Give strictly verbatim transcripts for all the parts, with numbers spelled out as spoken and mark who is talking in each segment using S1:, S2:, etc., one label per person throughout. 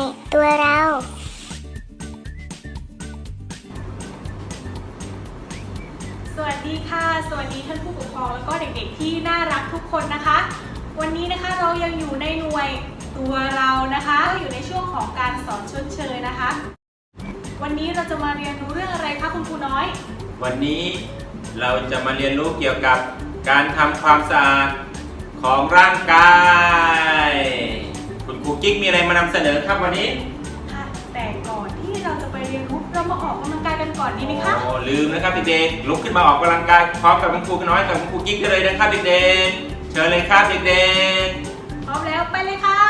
S1: ตัวเรา
S2: สวัสดีค่ะสวัสดีท่านผู้ปกครองแล้วก็เด็กๆที่น่ารักทุกคนนะคะวันนี้นะคะเรายังอยู่ในหน่วยตัวเรานะคะอยู่ในช่วงของการสอนชดเชยนะคะวันนี้เราจะมาเรียนรู้เรื่องอะไรคะคุณครูน้อย
S3: วันนี้เราจะมาเรียนรู้เกี่ยวกับการทำความสะอาดของร่างกายคุณครูกิ๊กมีอะไรมานำเสนอครับวันนี้
S2: ค่ะแต่ก่อนที่เราจะไปเรียนรู้เรามาออกกำลังกายกันก่อนดีไหมคะ
S3: โอ้ลืมนะครับเด็กๆลุกขึ้นมาออกกำลังกายพร้อมกับคุณครูน้อยกับคุณครูกิ๊กได้เลยนะครับเด็กๆเชิญเลยครับเด็ก
S2: ๆพร้อมแล้วไปเลยค่ะ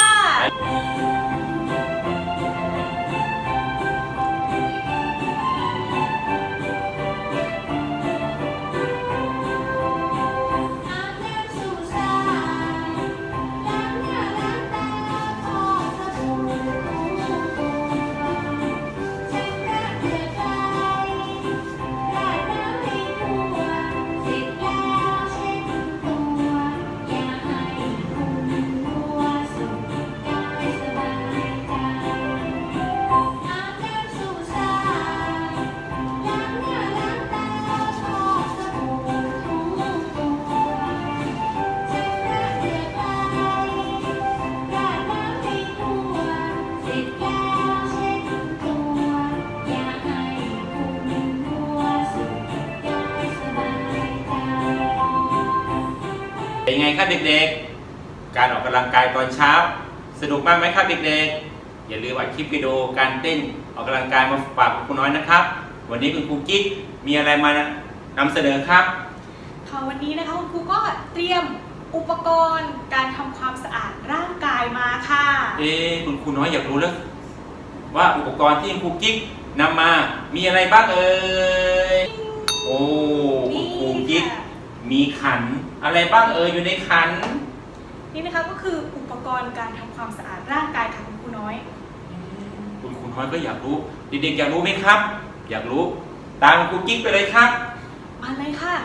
S3: เป็นไงครับเด็กๆการออกกำลังกายตอนเช้าสนุกมากไหมครับเด็กๆอย่าลืมอัดคลิปวิดีโอการเต้นออกกำลังกายมาฝากคุณครูน้อยนะครับวันนี้คุณครูกิ๊กมีอะไรมานำเสนอครับ
S2: ค่ะวันนี้นะคะคุณครูก็เตรียมอุปกรณ์การทำความสะอาดร่างกายมาค่ะ
S3: เอ๊ะคุณครูน้อยอยากรู้แล้วว่าอุปกรณ์ที่คุณครูกิ๊กนำมามีอะไรบ้างเอ่ยโอ้คุณครูกิ๊กมีขันอะไรบ้างเอ่ยอยู่ในขัน
S2: นี่นะคะก็คืออุปกรณ์การทำความสะอาดร่างกายค่ะคุณครูน้อย
S3: คุณครูน้อยก็อยากรู้เด็กๆอยากรู้ไหมครับอยากรู้ตามคุณครูกิ๊กไปเลยครับ
S2: มาเลยค่ะ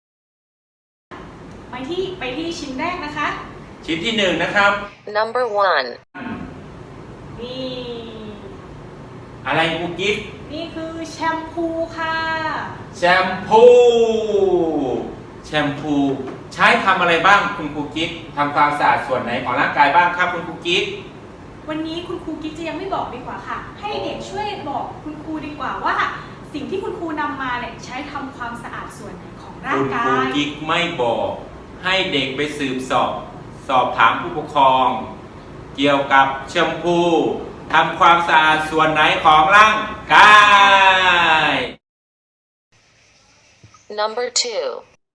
S2: ไปที่ไปที่ชิ้นแรกนะคะ
S3: ชิ้นที่หนึ่งนะครับ
S4: number one
S2: นี่
S3: อะไรครูกิ๊ก
S2: นี่คือแชมพูค่ะ
S3: แชมพูแชมพูใช้ทำอะไรบ้างคุณครูกิ๊กทำความสะอาดส่วนไหนของร่างกายบ้างครับคุณครูกิ๊ก
S2: วันนี้คุณครูกิ๊กจะยังไม่บอกดีกว่าค่ะให้เด็กช่วยบอกคุณครูดีกว่าว่าสิ่งที่คุณครูนำมาเนี่ยใช้ทำความสะอาดส่วนไหนของร่างกาย
S3: คุณครูกิ๊กไม่บอกให้เด็กไปสืบสอบสอบถามผู้ปกครองเกี่ยวกับแชมพูทำความสะอาดส่วนไหนของร่างกาย
S4: number two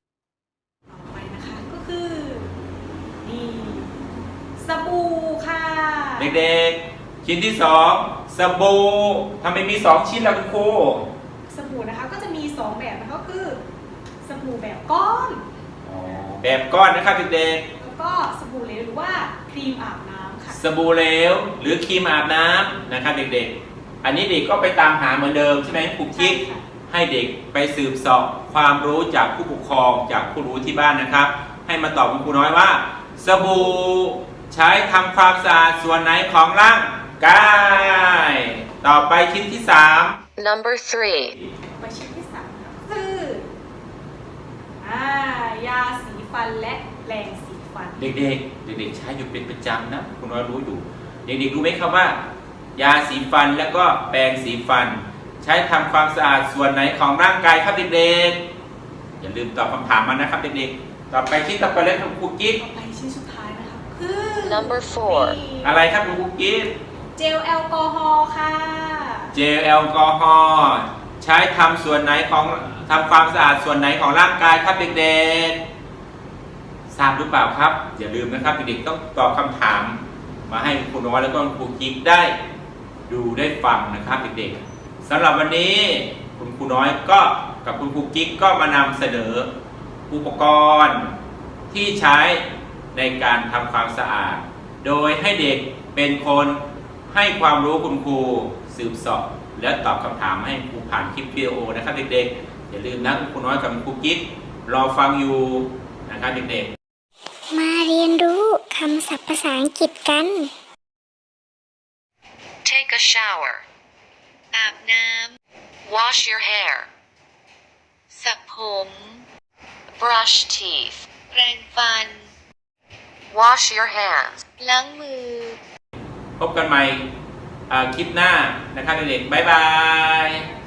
S2: สบู่ค่ะ
S3: เด็กๆชิ้นที่สองสบู่ทำไมมีสองชิ้นล่ะคุณครู
S2: สบู่นะคะก็จะมีสองแบบนะคะก็คือสบู่แบบก้อน
S3: แบบก้อนนะครับเด็ก
S2: ๆแล้วก็สบู่เหลวหรือว่าครีมอาบน้ำค่ะ
S3: สบู่เหลวหรือครีมอาบน้ำนะครับเด็กๆอันนี้เด็กก็ไปตามหาเหมือนเดิมใช่ไหมครูกิ๊กให้เด็กไปสืบเสอบความรู้จากผู้ปกครองจากผู้รู้ที่บ้านนะครับให้มาตอบคุณครูน้อยว่าสบู่ใช้ทำความสะอาดส่วนไหนของร่างกายต่อไปชิ้นที่สาม
S4: number three
S2: ไปชิ้นที่สามคืออ่ายาสีฟันและแปรงสีฟัน
S3: เด็กๆเด็กๆใช้อยู่เป็นประจำนะคุณน้อยรู้อยู่เด็กๆรู้ไหมครับว่ายาสีฟันแล้วก็แปรงสีฟันใช้ทำความสะอาดส่วนไหนของร่างกายครับเด็กๆอย่าลืมตอบคำถามมานะครับเด็กๆต่อไปชิ้นต่อไปเลยครับครูกิ๊ก
S2: ต่อไปชิ้นสุดท้ายนะคะคือ
S4: number four
S3: อะไรครับครูกิ๊ก
S2: เจลแอลกอฮอล์ค่ะ
S3: เจลแอลกอฮอล์ใช้ทำส่วนไหนของทำความสะอาดส่วนไหนของร่างกายครับเด็กๆทราบหรือเปล่าครับอย่าลืมนะครับเด็กๆต้องตอบคำถามมาให้ครูน้อยแล้วก็ครูกิ๊กได้ดูได้ฟังนะครับเด็กๆสำหรับวันนี้คุณครูน้อยก็กับคุณครูกิ๊กก็มานำเสนออุปกรณ์ที่ใช้ในการทำความสะอาดโดยให้เด็กเป็นคนให้ความรู้คุณครูสืบเสอบและตอบคำถามให้ครูผ่านคลิปวิดีโอนะครับเด็กๆอย่าลืมนะคุณครูน้อยกับคุณครูกิ๊กรอฟังอยู่นะครับเด็กๆ
S1: มาเรียนรู้คำศัพท์ภาษาอังกฤษกัน
S4: Take a shower.
S1: อาบน้
S4: Wash your hair.
S1: ำสระผม
S4: Brush teeth.
S1: แปรงฟัน
S4: Wash your hands.
S1: ล้างมือ
S3: พบกันใหม่อ่าคลิปหน้านะครับเด็กๆบ๊ายบาย